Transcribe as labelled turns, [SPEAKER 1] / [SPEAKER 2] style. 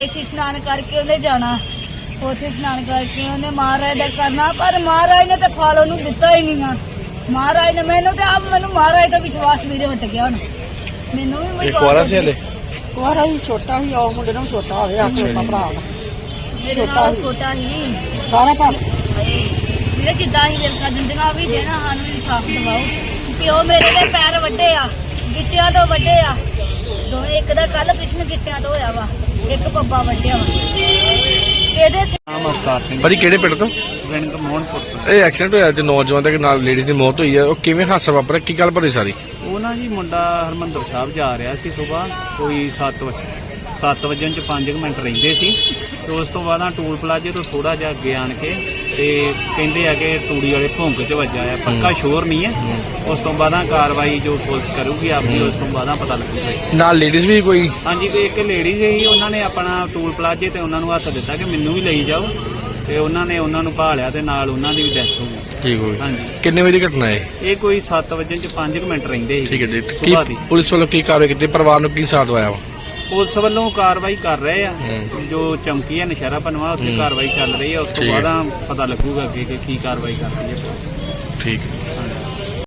[SPEAKER 1] स्नान करके उन्हें जाना, उथे स्नान करके उन्हें महाराज का करना, पर महाराज ने तो फल ओनू दिता ही नहीं है। महाराज ने मैनू तो आप मैनू महाराज का विश्वास मेरे हट गया हुण। मैनू भी
[SPEAKER 2] कुआरा से हले
[SPEAKER 3] ਕੁਆਰਾ ਹੀ ਛੋਟਾ ਹੀ ਉਹ ਮੁੰਡੇ ਨੂੰ ਛੋਟਾ ਹੋਵੇ ਆ ਛੋਟਾ ਭਰਾ
[SPEAKER 1] मेरे नाल छोटा ही
[SPEAKER 3] ਸਾਰਾ ਕੰਮ
[SPEAKER 1] मेरे जिदा ही दिल का जिंदगा भी देना सानू इंसाफ दिवाओ। प्यो मेरे दे पैर वड्डे आ, गिट्टियां तो वड्डे आ दो, एक दा कल कृष्ण गिट्टियां तो होया वा, एक पब्बा वड्डिया वा। ਇਹਦੇ
[SPEAKER 4] ਨਾਮ ਅਵਤਾਰ ਸਿੰਘ
[SPEAKER 2] ਭਾਜੀ ਕਿਹੜੇ ਪਿੰਡ ਤੋਂ?
[SPEAKER 4] ਪਿੰਡ ਮੋਹਨਪੁਰ ਤੋਂ।
[SPEAKER 2] ਇਹ ਐਕਸੀਡੈਂਟ ਹੋਇਆ ਤੇ ਨੌਜਵਾਨ ਦੇ ਨਾਲ ਲੇਡੀਜ਼ ਦੀ ਮੌਤ ਹੋਈ ਹੈ, ਉਹ ਕਿਵੇਂ ਹਾਦਸਾ ਵਾਪਰਿਆ, ਕੀ ਗੱਲ ਭਰੀ ਸਾਰੀ?
[SPEAKER 4] ਉਹ ਨਾ ਜੀ ਮੁੰਡਾ ਹਰਮੰਦਰ ਸਾਹਿਬ ਜਾ ਰਿਹਾ ਸੀ ਸਵੇਰ ਕੋਈ 7 ਵਜੇ 5 ਮਿੰਟ ਰਹਿੰਦੇ ਸੀ ਤੇ ਉਸ ਤੋਂ ਬਾਅਦ ਟੂਲ ਪਲਾਜ਼ੇ ਤੋਂ ਥੋੜਾ ਜਿਹਾ ਅੱਗੇ ਆਣ ਕੇ ਤੇ ਕਹਿੰਦੇ ਆ ਕਿ ਤੂੜੀ ਵਾਲੇ ਭੌਂਕ 'ਚ ਵੱਜਾ ਆ, ਪੱਕਾ ਸ਼ੋਰ ਨਹੀਂ ਹੈ। ਉਸ ਤੋਂ ਬਾਅਦ ਕਾਰਵਾਈ ਜੋ ਪੁਲਿਸ ਕਰੂਗੀ ਆਪਣੀ, ਉਸ ਤੋਂ ਬਾਅਦ ਪਤਾ ਲੱਗੂਗਾ।
[SPEAKER 2] ਨਾਲ ਲੇਡੀਜ਼ ਵੀ ਕੋਈ?
[SPEAKER 4] ਹਾਂਜੀ, ਤੇ ਇੱਕ ਲੇਡੀ ਸੀ, ਉਹਨਾਂ ਨੇ ਆਪਣਾ ਟੂਲ ਪਲਾਜ਼ੇ ਤੇ ਉਹਨਾਂ ਨੂੰ ਹੱਥ ਦਿੱਤਾ ਕਿ ਮੈਨੂੰ ਵੀ ਲਈ ਜਾਓ ਤੇ ਉਹਨਾਂ ਨੇ ਉਹਨਾਂ ਨੂੰ ਭਾਲਿਆ ਤੇ ਨਾਲ ਉਹਨਾਂ ਦੀ ਵੀ ਡੈਥ ਹੋ ਗਈ।
[SPEAKER 2] ਠੀਕ ਹੋ ਗਈ।
[SPEAKER 4] ਹਾਂਜੀ,
[SPEAKER 2] ਕਿੰਨੇ ਵਜੇ ਦੀ ਘਟਨਾ ਹੈ
[SPEAKER 4] ਇਹ ਕੋਈ 7 ਵਜੇ 5 ਮਿੰਟ ਰਹਿੰਦੇ ਸੀ।
[SPEAKER 2] ਠੀਕ ਹੈ ਜੀ।
[SPEAKER 4] ਸੁਬਾਹ ਦੀ
[SPEAKER 2] ਕੀ ਪੁਲਿਸ ਵੱਲੋਂ ਕੀ ਕਾਰਵਾਈ ਕੀਤੀ, ਪਰਿਵਾਰ ਨੂੰ ਕੀ ਸਾਥ ਆਇਆ ਵਾ?
[SPEAKER 4] ਪੁਲਿਸ ਵੱਲੋਂ ਕਾਰਵਾਈ ਕਰ ਰਹੇ ਆ, ਜੋ ਚੌਂਕੀ ਹੈ ਨਸ਼ਹਿਰਾ ਪਨਵਾ ਉੱਥੇ ਕਾਰਵਾਈ ਚੱਲ ਰਹੀ ਹੈ। ਉਸ ਤੋਂ
[SPEAKER 2] ਠੀਕ ਹੈ।
[SPEAKER 4] ਬਾਅਦ ਪਤਾ ਲੱਗੂਗਾ ਅੱਗੇ ਕਿ ਕੀ ਕਾਰਵਾਈ ਕਰਦੀ ਹੈ।
[SPEAKER 2] ਠੀਕ।